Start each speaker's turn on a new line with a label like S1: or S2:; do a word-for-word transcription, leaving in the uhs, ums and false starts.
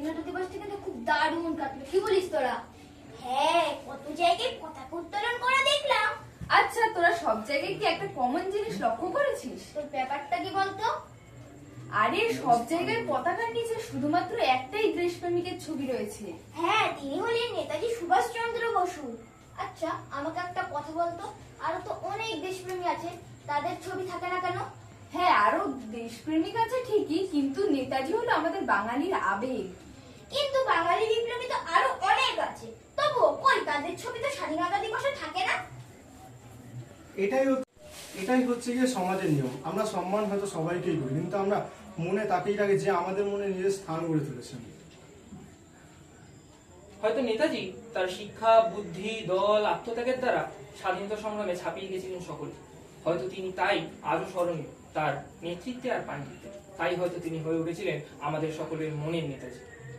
S1: স্বাধীনতা দিবসটা কিন্তু খুব দারুণ কাটলো, কি বলিস তোরা?
S2: হ্যাঁ, কত জায়গায় পতাকা উত্তোলন করা দেখলাম।
S3: আচ্ছা, তোরা সব জায়গায় কি একটা কমন জিনিস লক্ষ্য করেছিস?
S1: তোর ব্যাপারটা কি বলতো?
S3: আরে সব জায়গায় পতাকার নিচে শুধুমাত্র একটাই দেশপ্রেমিকের ছবি রয়েছে।
S2: হ্যাঁ, তিনি হলেন নেতাজি সুভাষচন্দ্র বসু।
S1: আচ্ছা, আমাকে একটা কথা বলতো, আরো তো অনেক দেশপ্রেমী আছে, তাদের ছবি থাকে না কেন?
S3: হ্যাঁ, আরো দেশপ্রেমিক আছে ঠিকই, কিন্তু নেতাজি হলো আমাদের বাঙালির আবেগ।
S2: কিন্তু বাঙালি বিপ্লবী তো আরো অনেক আছে, তবুও কই তাদের ছবি তো স্বাধীনতা দিবসে থাকে না।
S4: এটাই হচ্ছে- এটাই হচ্ছে গিয়ে সমাজের নিয়ম। আমরা সম্মান হয়তো সবাইকেই করি, কিন্তু আমরা মনে তাকেই রাখি যে আমাদের মনে নিজের স্থান গড়ে তুলেছেন।
S5: হয়তো নেতাজি তার শিক্ষা, বুদ্ধি, দল, আত্মত্যাগের দ্বারা স্বাধীনতা সংগ্রামে ছাপিয়ে গেছিলেন সকলে। হয়তো তিনি তাই আজও স্মরণীয়, তার নেতৃত্বে আর পাণ্ডিত্যে। তাই হয়তো তিনি হয়ে উঠেছিলেন আমাদের সকলের মনের নেতাজি।